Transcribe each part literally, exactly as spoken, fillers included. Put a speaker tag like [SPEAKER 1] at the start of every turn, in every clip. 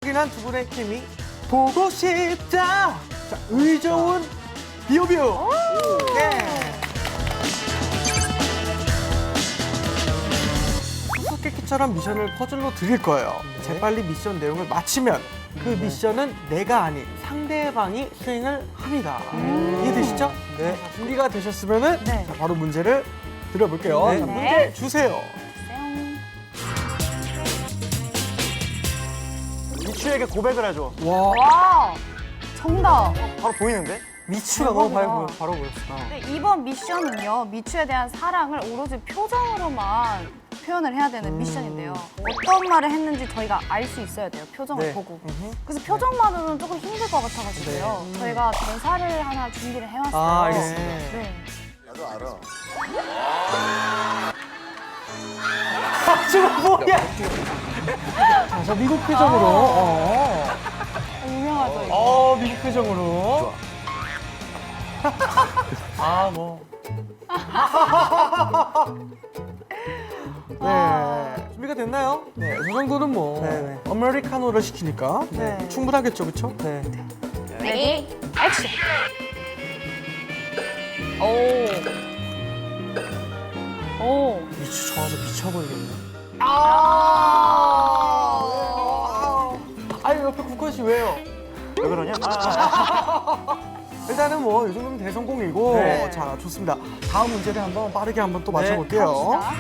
[SPEAKER 1] 끈끈한 두 분의 케미 보고 싶다. 자, 의좋은 비오비오. 네. 수수께끼처럼 미션을 퍼즐로 드릴 거예요.
[SPEAKER 2] 네.
[SPEAKER 1] 재빨리 미션 내용을 마치면 그 미션은 내가 아닌 상대방이 수행을 합니다.
[SPEAKER 2] 음.
[SPEAKER 1] 이해되시죠?
[SPEAKER 2] 네.
[SPEAKER 1] 자, 준비가 되셨으면은
[SPEAKER 3] 네.
[SPEAKER 1] 자, 바로 문제를 드려볼게요.
[SPEAKER 2] 네.
[SPEAKER 1] 자,
[SPEAKER 3] 네.
[SPEAKER 1] 문제 주세요.
[SPEAKER 4] 미추에게 고백을 해줘.
[SPEAKER 1] 와.
[SPEAKER 3] 와, 정답.
[SPEAKER 4] 바로 보이는데?
[SPEAKER 2] 미추가 너무 바로, 보여,
[SPEAKER 3] 대박이다.
[SPEAKER 2] 바로 보였어.
[SPEAKER 3] 네, 이번 미션은요, 미추에 대한 사랑을 오로지 표정으로만 표현을 해야 되는 미션인데요. 어떤 말을 했는지 저희가 알 수 있어야 돼요, 표정을
[SPEAKER 2] 네.
[SPEAKER 3] 보고. 그래서 표정만으로는 조금 힘들 것 같아가지고요. 저희가 대사를 하나 준비를 해왔어요.
[SPEAKER 2] 아, 알겠습니다.
[SPEAKER 3] 네.
[SPEAKER 5] 나도 알아.
[SPEAKER 1] 지금 뭐야? 자, 저 미국 표정으로. 어.
[SPEAKER 3] 유명하죠, 이거.
[SPEAKER 1] 어, 미국 표정으로.
[SPEAKER 2] 아, 뭐.
[SPEAKER 1] 네. 준비가 됐나요? 네. 이 정도는 뭐.
[SPEAKER 2] 네, 네.
[SPEAKER 1] 아메리카노를 시키니까. 네.
[SPEAKER 3] 네.
[SPEAKER 1] 충분하겠죠, 그쵸?
[SPEAKER 2] 네.
[SPEAKER 3] 레디, 액션! 오. 오.
[SPEAKER 2] 미추 좋아서 미쳐버리겠네.
[SPEAKER 1] 아! 아니, 옆에 국건 씨 왜요?
[SPEAKER 4] 왜 그러냐? 아,
[SPEAKER 1] 일단은 뭐, 이 정도면 대성공이고.
[SPEAKER 2] 네.
[SPEAKER 1] 자, 좋습니다. 다음 문제를 한번 빠르게 한번 또
[SPEAKER 2] 네,
[SPEAKER 1] 맞춰볼게요.
[SPEAKER 3] 갑시다.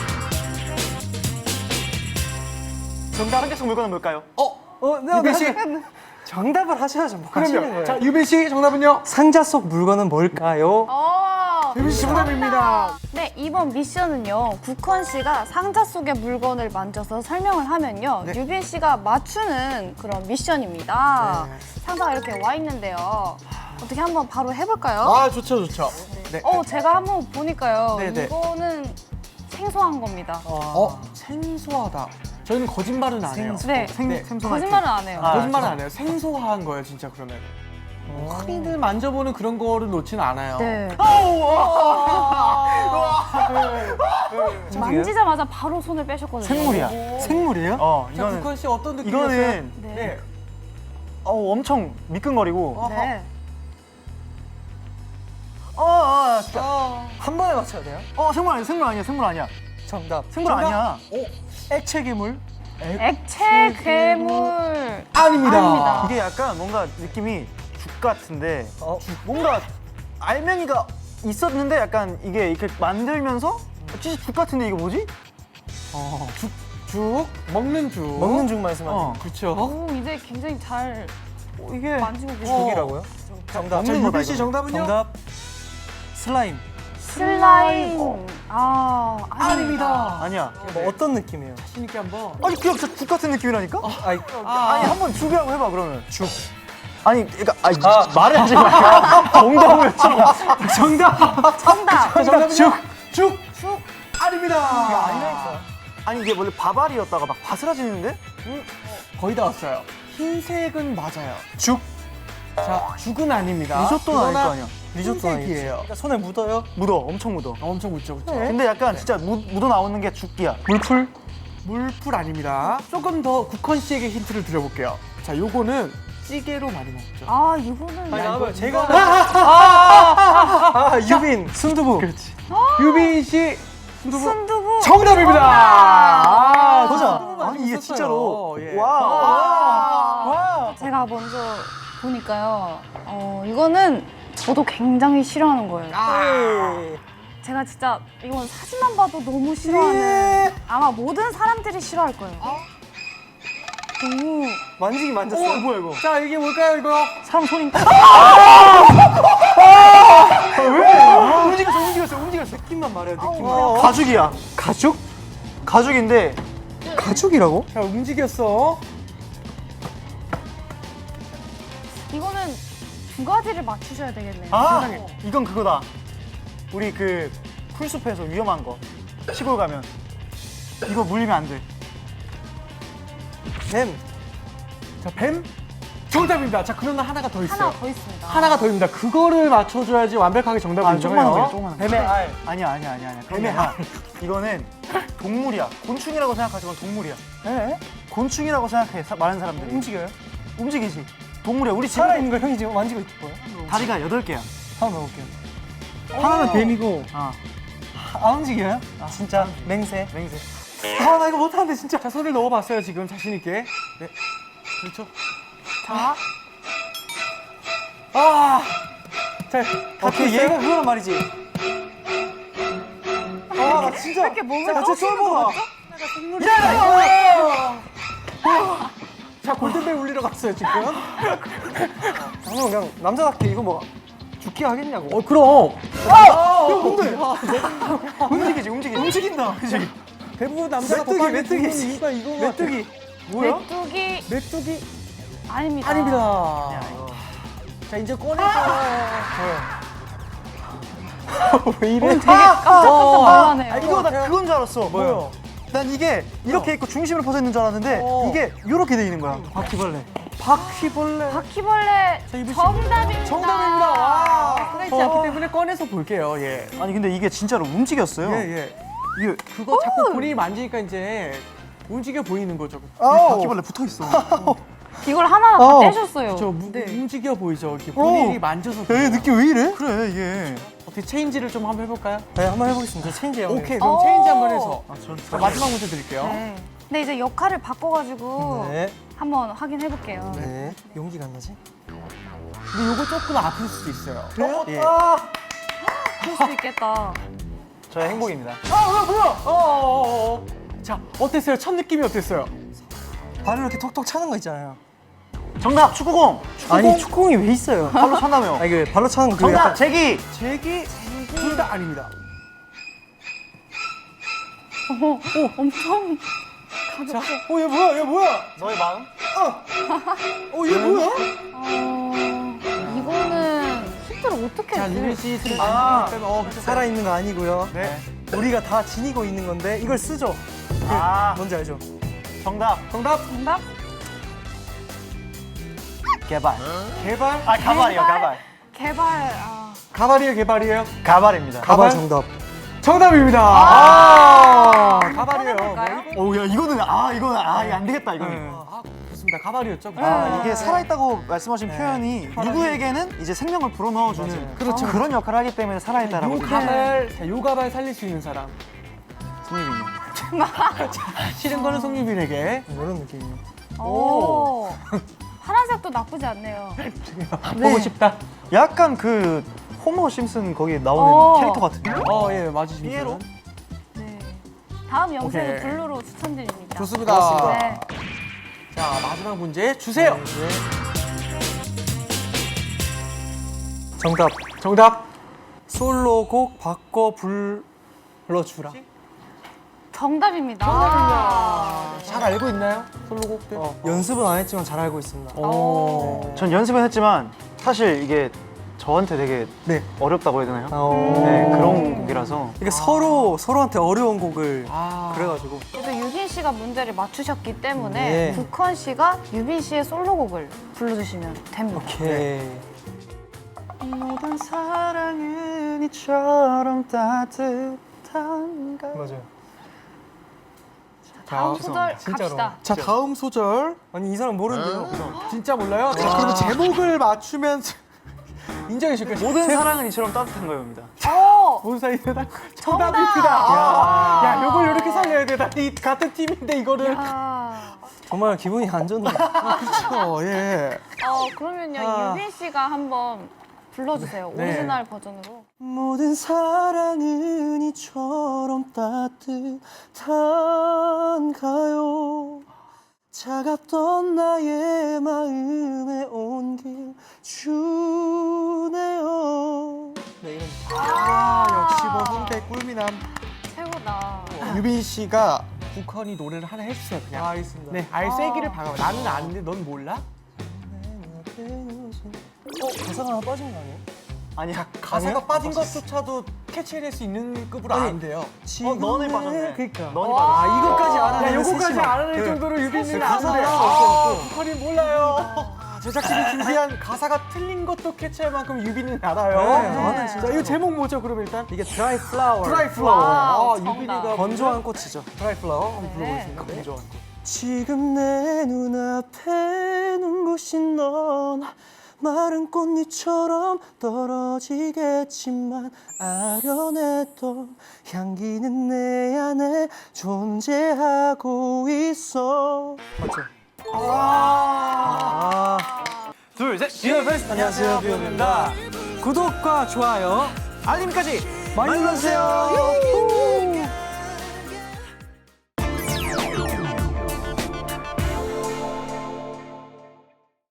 [SPEAKER 4] 정답 한 개씩 물건은 뭘까요?
[SPEAKER 1] 어?
[SPEAKER 2] 어, 네,
[SPEAKER 1] 유빈 씨?
[SPEAKER 2] 네. 정답을 하셔야죠. 뭐 하시는
[SPEAKER 1] 그럼요.
[SPEAKER 2] 거예요.
[SPEAKER 1] 자, 유빈 씨 정답은요?
[SPEAKER 2] 상자 속 물건은 뭘까요?
[SPEAKER 3] 어.
[SPEAKER 1] 유빈 씨 정답입니다.
[SPEAKER 3] 네, 이번 미션은요. 국헌 씨가 상자 속의 물건을 만져서 설명을 하면요.
[SPEAKER 1] 네.
[SPEAKER 3] 유빈 씨가 맞추는 그런 미션입니다.
[SPEAKER 1] 네.
[SPEAKER 3] 상자가 이렇게 와 있는데요. 어떻게 한번 바로 해볼까요?
[SPEAKER 1] 아, 좋죠, 좋죠. 네.
[SPEAKER 3] 어, 제가 한번 보니까요.
[SPEAKER 1] 네, 네.
[SPEAKER 3] 이거는 생소한 겁니다.
[SPEAKER 1] 어, 생소하다. 저희는 거짓말은 안 해요.
[SPEAKER 3] 네,
[SPEAKER 4] 생,
[SPEAKER 1] 네.
[SPEAKER 4] 생소한
[SPEAKER 3] 거짓말은 안 해요.
[SPEAKER 4] 아,
[SPEAKER 1] 거짓말은 안 해요. 생소한 거예요, 진짜 그러면. 흔히들 만져보는 그런 거를 놓지는 않아요.
[SPEAKER 3] 네.
[SPEAKER 2] 네.
[SPEAKER 3] 만지자마자 바로 손을 빼셨거든요.
[SPEAKER 4] 생물이야.
[SPEAKER 2] 생물이에요?
[SPEAKER 4] 어,
[SPEAKER 1] 자,
[SPEAKER 4] 이거는
[SPEAKER 1] 국헌 씨 어떤 느낌이었어요?
[SPEAKER 4] 이거는
[SPEAKER 3] 네.
[SPEAKER 1] 네.
[SPEAKER 4] 어, 엄청 미끈거리고.
[SPEAKER 3] 네.
[SPEAKER 4] 어, 어, 진짜.
[SPEAKER 1] 어.
[SPEAKER 2] 한 번에 맞춰야 돼요?
[SPEAKER 4] 어, 생물 아니야, 생물 아니야, 생물 아니야.
[SPEAKER 2] 정답.
[SPEAKER 4] 생물
[SPEAKER 1] 정답?
[SPEAKER 4] 아니야.
[SPEAKER 2] 액체 괴물?
[SPEAKER 3] 액체 괴물.
[SPEAKER 1] 아닙니다.
[SPEAKER 3] 아닙니다.
[SPEAKER 4] 이게 약간 뭔가 느낌이 죽 같은데
[SPEAKER 2] 어,
[SPEAKER 4] 뭔가 알맹이가 있었는데 약간 이게 이렇게 만들면서 진짜 죽 같은데 이거 뭐지?
[SPEAKER 1] 어, 죽, 죽, 먹는 죽.
[SPEAKER 2] 먹는 죽 말씀하시는
[SPEAKER 1] 어, 그렇죠.
[SPEAKER 3] 오, 이제 굉장히 잘
[SPEAKER 4] 어, 이게
[SPEAKER 3] 만지고 계세요.
[SPEAKER 1] 어.
[SPEAKER 2] 죽이라고요? 정답.
[SPEAKER 1] 자,
[SPEAKER 4] 먹는 거다,
[SPEAKER 1] 유빈 씨
[SPEAKER 4] 이거는.
[SPEAKER 1] 정답은요?
[SPEAKER 2] 정답. 슬라임.
[SPEAKER 3] 슬라임. 아,
[SPEAKER 1] 아닙니다.
[SPEAKER 4] 아니야.
[SPEAKER 2] 뭐 어떤 느낌이에요?
[SPEAKER 1] 자신 있게 한번.
[SPEAKER 4] 아니 그냥 진짜 죽 같은 느낌이라니까?
[SPEAKER 2] 아이,
[SPEAKER 4] 아니 한번 죽이라고 해봐 그러면.
[SPEAKER 2] 죽.
[SPEAKER 4] 아니 그러니까 아니, 말을 하지 말고 정답을 쳐.
[SPEAKER 1] 정답.
[SPEAKER 3] 정답.
[SPEAKER 1] 정답은요? 죽. 죽.
[SPEAKER 3] 죽.
[SPEAKER 1] 아닙니다.
[SPEAKER 2] 아니라니까.
[SPEAKER 4] 아니 이게 원래 바발이었다가 막 바스라지는데?
[SPEAKER 1] 거의 다 왔어요. 흰색은 맞아요.
[SPEAKER 2] 죽.
[SPEAKER 1] 자, 죽은 아닙니다.
[SPEAKER 4] 리조또는 아닐 거
[SPEAKER 1] 그러나
[SPEAKER 4] 아니야.
[SPEAKER 2] 리조또 아니겠지.
[SPEAKER 1] 흰색이에요.
[SPEAKER 2] 그러니까 손에 묻어요?
[SPEAKER 4] 묻어, 엄청 묻어.
[SPEAKER 1] 엄청 묻죠, 그렇죠.
[SPEAKER 4] 근데 약간 진짜 묻, 묻어 나오는 게 죽기야.
[SPEAKER 2] 물풀?
[SPEAKER 1] 물풀 아닙니다. 조금 더 국헌 씨에게 힌트를 드려볼게요. 자, 요거는 찌개로 많이 먹죠.
[SPEAKER 3] 아, 이거는
[SPEAKER 2] 아니,
[SPEAKER 1] 야,
[SPEAKER 2] 나와봐요.
[SPEAKER 1] 이거-
[SPEAKER 2] 제가.
[SPEAKER 1] 이거는-
[SPEAKER 2] 아, 유빈. 순두부.
[SPEAKER 1] 그렇지. 유빈 씨 순두부
[SPEAKER 3] 순두부.
[SPEAKER 1] 정답입니다. 아,
[SPEAKER 2] 보자.
[SPEAKER 1] 순두부 많이
[SPEAKER 4] 아니 이게
[SPEAKER 1] 있었어요.
[SPEAKER 4] 진짜로.
[SPEAKER 1] 예.
[SPEAKER 4] 와.
[SPEAKER 2] 와.
[SPEAKER 3] 제가 먼저 보니까요. 어, 이거는 저도 굉장히 싫어하는 거예요.
[SPEAKER 2] 네.
[SPEAKER 3] 제가 진짜 이건 사진만 봐도 너무 싫어하는 아마 모든 사람들이 싫어할 거예요. 너무
[SPEAKER 2] 만지긴 만졌어요.
[SPEAKER 4] 어, 뭐야 이거?
[SPEAKER 1] 자, 이게 뭘까요, 이거?
[SPEAKER 4] 사람 손인가?
[SPEAKER 1] 왜?
[SPEAKER 4] 움직였어, 움직였어, 움직였어.
[SPEAKER 2] 느낌만 말해요, 느낌만.
[SPEAKER 4] 어, 가죽이야.
[SPEAKER 2] 가죽?
[SPEAKER 4] 가죽인데
[SPEAKER 2] 가죽이라고?
[SPEAKER 1] 자, 움직였어.
[SPEAKER 3] 이거는 두 가지를 맞추셔야 되겠네요.
[SPEAKER 4] 아
[SPEAKER 1] 세상에.
[SPEAKER 4] 이건 그거다. 우리 그 풀숲에서 위험한 거 시골 가면 이거 물리면 안 돼.
[SPEAKER 2] 뱀.
[SPEAKER 1] 자, 뱀 정답입니다. 자, 그러나 하나가 더 있어요.
[SPEAKER 3] 하나 더 있습니다.
[SPEAKER 1] 하나가 더 있습니다. 그거를 맞춰줘야지 완벽하게 정답을
[SPEAKER 4] 아
[SPEAKER 1] 인정해요.
[SPEAKER 4] 조그만 거, 조그만 거.
[SPEAKER 2] 뱀의 알.
[SPEAKER 4] 아니야 아니야 아니야 아니야.
[SPEAKER 1] 뱀의
[SPEAKER 4] 알. 이거는 동물이야. 곤충이라고 생각하지만 동물이야.
[SPEAKER 2] 에?
[SPEAKER 4] 곤충이라고 생각해 사, 많은 사람들이.
[SPEAKER 2] 움직여요?
[SPEAKER 4] 움직이지. 동물이야. 우리 집에
[SPEAKER 2] 살아있는 걸 형이 지금 만지고 있을 거예요?
[SPEAKER 4] 다리가 여덟 개야.
[SPEAKER 2] 한번 넣어볼게요. 하나는 뱀이고
[SPEAKER 4] 아,
[SPEAKER 2] 안 움직여요? 진짜 맹세.
[SPEAKER 4] 맹세.
[SPEAKER 2] 아 나 이거 못하는데 진짜.
[SPEAKER 1] 자, 손을 넣어봤어요, 지금 자신있게. 네. 그렇죠.
[SPEAKER 3] 자,
[SPEAKER 1] 아! 자,
[SPEAKER 2] 오케이 얘가 그거란 말이지. 아나 진짜.
[SPEAKER 3] 이렇게 몸을
[SPEAKER 2] 자,
[SPEAKER 3] 떠시는
[SPEAKER 2] 쫄보가.
[SPEAKER 3] 거 같죠?
[SPEAKER 1] 자, 골든벨 울리러 갔어요, 지금.
[SPEAKER 2] 방금 그냥 남자답게 이거 뭐 죽기 하겠냐고.
[SPEAKER 1] 어, 그럼.
[SPEAKER 2] 이거 뭔데?
[SPEAKER 4] 움직이지, 움직이지.
[SPEAKER 2] 움직인다. 그지?
[SPEAKER 1] 대부분 남자가
[SPEAKER 2] 메뚜기,
[SPEAKER 1] 더
[SPEAKER 2] 메뚜기.
[SPEAKER 1] 빨리 죽는 이유가 이거
[SPEAKER 2] 메뚜기.
[SPEAKER 1] 뭐야?
[SPEAKER 3] 메뚜기
[SPEAKER 1] 메뚜기
[SPEAKER 3] 아닙니다.
[SPEAKER 1] 아닙니다. 자, 이제 꺼내서. 왜 이래?
[SPEAKER 3] 되게 깜짝깜짝 놀라네요.
[SPEAKER 4] 아, 이거 나 그건 줄 알았어.
[SPEAKER 1] 뭐요?
[SPEAKER 4] 난 이게 이렇게 있고 중심으로 퍼져 있는 줄 알았는데
[SPEAKER 1] 어.
[SPEAKER 4] 이게 이렇게 돼 있는 거야.
[SPEAKER 2] 바퀴벌레.
[SPEAKER 1] 바퀴벌레.
[SPEAKER 3] 바퀴벌레
[SPEAKER 1] 자, 이분 씨.
[SPEAKER 3] 정답입니다.
[SPEAKER 1] 정답입니다. 와.
[SPEAKER 3] 그렇죠.
[SPEAKER 1] 그렇기 때문에 꺼내서 볼게요. 예.
[SPEAKER 4] 아니 근데 이게 진짜로 움직였어요.
[SPEAKER 1] 예, 예.
[SPEAKER 4] 이게
[SPEAKER 1] 그거 자꾸 본인이 만지니까 이제 움직여 보이는 거죠.
[SPEAKER 4] 이 바퀴벌레 붙어 있어.
[SPEAKER 3] 이걸 하나
[SPEAKER 2] 어.
[SPEAKER 3] 다 떼셨어요.
[SPEAKER 1] 저 무-
[SPEAKER 3] 네.
[SPEAKER 1] 움직여 보이죠. 이렇게 본인이 만져서.
[SPEAKER 4] 에
[SPEAKER 1] 그래요.
[SPEAKER 4] 느낌 왜 이래? 그래 이게.
[SPEAKER 1] 어떻게 체인지를 좀 한번 해볼까요?
[SPEAKER 2] 네 한번 해보겠습니다. 체인지 해요.
[SPEAKER 1] 오케이, 그럼
[SPEAKER 3] 오.
[SPEAKER 1] 체인지 한번 해서.
[SPEAKER 4] 아, 전
[SPEAKER 1] 자, 마지막 문제 드릴게요.
[SPEAKER 3] 네. 근데 이제 역할을 바꿔가지고
[SPEAKER 2] 네.
[SPEAKER 3] 한번 확인해 볼게요.
[SPEAKER 2] 네. 용기가 안 나지?
[SPEAKER 1] 근데 요거 조금 아플 수도 있어요.
[SPEAKER 2] 그래요?
[SPEAKER 1] 예.
[SPEAKER 2] 아.
[SPEAKER 3] 그럴 수도 있겠다.
[SPEAKER 4] 저의 행복입니다.
[SPEAKER 1] 아, 뭐야, 뭐야? 어, 어, 어, 어. 자, 어땠어요? 첫 느낌이 어땠어요?
[SPEAKER 2] 발을 이렇게 톡톡 차는 거 있잖아요.
[SPEAKER 4] 정답 축구공.
[SPEAKER 2] 아니 축구공이 왜 있어요?
[SPEAKER 4] 발로 찬다며.
[SPEAKER 2] 아 이거 발로 차는 거 그거
[SPEAKER 4] 정답
[SPEAKER 2] 약간
[SPEAKER 4] 제기.
[SPEAKER 1] 제기, 둘 다 아닙니다.
[SPEAKER 3] 어, 엄청
[SPEAKER 1] 자, 어, 얘 뭐야? 얘 뭐야?
[SPEAKER 4] 너의 마음?
[SPEAKER 1] 어, 얘 뭐야?
[SPEAKER 3] 어, 이거는 힌트를 어떻게
[SPEAKER 1] 자,
[SPEAKER 3] 드릴
[SPEAKER 1] 유민
[SPEAKER 3] 수
[SPEAKER 1] 씨 지금
[SPEAKER 3] 있을까요?
[SPEAKER 1] 만지니까 어, 그쵸.
[SPEAKER 2] 살아 있는 거 아니고요.
[SPEAKER 1] 네.
[SPEAKER 2] 우리가 다 지니고 있는 건데 이걸 쓰죠. 그,
[SPEAKER 4] 아.
[SPEAKER 2] 뭔지 알죠?
[SPEAKER 4] 정답.
[SPEAKER 1] 정답.
[SPEAKER 3] 정답?
[SPEAKER 4] 개발.
[SPEAKER 1] 개발.
[SPEAKER 4] 아 가발이요 가발.
[SPEAKER 3] 개발. 아,
[SPEAKER 1] 가발이에요, 개발이에요?
[SPEAKER 4] 가발입니다.
[SPEAKER 1] 가발?
[SPEAKER 2] 가발 정답.
[SPEAKER 1] 정답입니다. 아, 가발이에요.
[SPEAKER 3] 꺼내볼까요?
[SPEAKER 4] 오야 이거는 아 이거는 아 이거 안 되겠다 이거는.
[SPEAKER 1] 네. 아, 좋습니다. 가발이었죠.
[SPEAKER 4] 아, 이게
[SPEAKER 3] 네.
[SPEAKER 4] 살아있다고 말씀하신 표현이 누구에게는 이제 생명을 불어넣어주는
[SPEAKER 2] 맞아요.
[SPEAKER 1] 그렇죠.
[SPEAKER 4] 그런 역할을 하기 때문에 살아있다라고.
[SPEAKER 1] 요 가발, 자, 요 가발 살릴 수 있는 사람.
[SPEAKER 4] 승리군요.
[SPEAKER 1] 싫은 거는 송유빈에게.
[SPEAKER 2] 이런 느낌이에요.
[SPEAKER 3] 오. 파란색도 나쁘지 않네요.
[SPEAKER 1] 보고 싶다.
[SPEAKER 4] 약간 그 호머 심슨 거기에 나오는
[SPEAKER 3] 어.
[SPEAKER 4] 캐릭터 같은데.
[SPEAKER 1] 어, 예, 맞으십니다.
[SPEAKER 4] 피에로?
[SPEAKER 3] 네. 다음 영상은
[SPEAKER 1] 오케이.
[SPEAKER 3] 블루로 추천드립니다.
[SPEAKER 1] 좋습니다.
[SPEAKER 2] 고맙습니다.
[SPEAKER 3] 네.
[SPEAKER 1] 자, 마지막 문제 주세요.
[SPEAKER 2] 네. 정답.
[SPEAKER 1] 정답.
[SPEAKER 2] 솔로곡 바꿔 불러주라.
[SPEAKER 3] 정답입니다.
[SPEAKER 1] 정답입니다. 잘 알고 있나요? 솔로곡들?
[SPEAKER 2] 어, 연습은 안 했지만 잘 알고 있습니다.
[SPEAKER 1] 오.
[SPEAKER 4] 전 연습은 했지만 사실 이게 저한테 되게
[SPEAKER 2] 네.
[SPEAKER 4] 어렵다고 해야 되나요?
[SPEAKER 2] 어.
[SPEAKER 4] 네 그런 곡이라서.
[SPEAKER 2] 이게 서로 서로한테 어려운 곡을
[SPEAKER 1] 아.
[SPEAKER 2] 그래가지고
[SPEAKER 3] 그래도 유빈 씨가 문제를 맞추셨기 때문에
[SPEAKER 2] 네.
[SPEAKER 3] 국헌 씨가 유빈 씨의 솔로곡을 불러주시면 됩니다.
[SPEAKER 2] 오케이.
[SPEAKER 4] 모든 사랑은 이처럼 따뜻한가.
[SPEAKER 2] 맞아요.
[SPEAKER 3] 다음
[SPEAKER 1] 자,
[SPEAKER 3] 소절
[SPEAKER 2] 진짜로.
[SPEAKER 3] 갑시다.
[SPEAKER 1] 자, 다음 소절.
[SPEAKER 2] 아니 이 사람 모르는데요.
[SPEAKER 1] 진짜 몰라요? 자, 그러면 제목을 맞추면 인정해 줄게요.
[SPEAKER 4] 모든 사랑은 이처럼 따뜻한 거입니다.
[SPEAKER 3] 오!
[SPEAKER 1] 뭔 사이다? 정답입니다. 야, 야, 요걸 이렇게 살려야 돼. 나 이 같은 팀인데 이거를.
[SPEAKER 3] 아,
[SPEAKER 2] 정말 기분이 안 좋네요.
[SPEAKER 1] 그렇죠. 예.
[SPEAKER 3] 어, 그러면요
[SPEAKER 2] 아.
[SPEAKER 3] 유빈 씨가 한번 불러주세요.
[SPEAKER 1] 네.
[SPEAKER 3] 오리지널 버전으로.
[SPEAKER 2] 모든 사랑은 이처럼 따뜻한가요? 차갑던 나의 마음에 온길 주네요. 네, 이런
[SPEAKER 1] 아, 역시 뭐 홍대 꿀미남.
[SPEAKER 3] 최고다.
[SPEAKER 1] 유빈 씨가 국헌이 노래를 하나 해주세요, 그냥.
[SPEAKER 2] 아, 알겠습니다.
[SPEAKER 1] 네, 아예 세기를 박아. 나는 아는데 넌 몰라?
[SPEAKER 2] 어, 가사가 하나 빠진 거 아니에요?
[SPEAKER 1] 아니야, 가사가
[SPEAKER 2] 아니에요?
[SPEAKER 1] 빠진 것조차도 캐치해낼 수 있는 급으로
[SPEAKER 2] 아니,
[SPEAKER 1] 안 돼요.
[SPEAKER 4] 어 너네 빠졌네.
[SPEAKER 2] 그러니까.
[SPEAKER 4] 너네
[SPEAKER 1] 아,
[SPEAKER 4] 빠졌어.
[SPEAKER 1] 이것까지
[SPEAKER 2] 알아내는
[SPEAKER 1] 야, 요거까지
[SPEAKER 2] 세심함.
[SPEAKER 1] 알아낼
[SPEAKER 2] 네.
[SPEAKER 1] 정도로 유빈이는
[SPEAKER 2] 가사가
[SPEAKER 1] 아는데.
[SPEAKER 2] 하나도
[SPEAKER 1] 아,
[SPEAKER 2] 없어갖고.
[SPEAKER 1] 국헌이 몰라요. 제작진이 준비한 가사가 틀린 것도 캐치할 만큼 유빈이는 알아요.
[SPEAKER 2] 네,
[SPEAKER 3] 나는
[SPEAKER 1] 자, 이거 제목 뭐죠, 그럼 일단?
[SPEAKER 2] 이게 드라이 플라워.
[SPEAKER 1] 드라이 플라워.
[SPEAKER 3] 와우,
[SPEAKER 1] 아,
[SPEAKER 3] 정답.
[SPEAKER 1] 유빈이가
[SPEAKER 2] 건조한 꽃이죠.
[SPEAKER 1] 드라이 플라워 한번
[SPEAKER 3] 네.
[SPEAKER 1] 불러보겠습니다.
[SPEAKER 4] 건조한 거.
[SPEAKER 2] 지금 내 눈앞에 눈부신 넌 마른 꽃잎처럼 떨어지겠지만 아련했던 향기는 내 안에 존재하고 있어. 맞죠? 아.
[SPEAKER 4] 둘, 셋.
[SPEAKER 2] 비어 베스트. 안녕하세요, 비어입니다. 구독과 좋아요,
[SPEAKER 4] 알림까지
[SPEAKER 2] 많이 눌러주세요.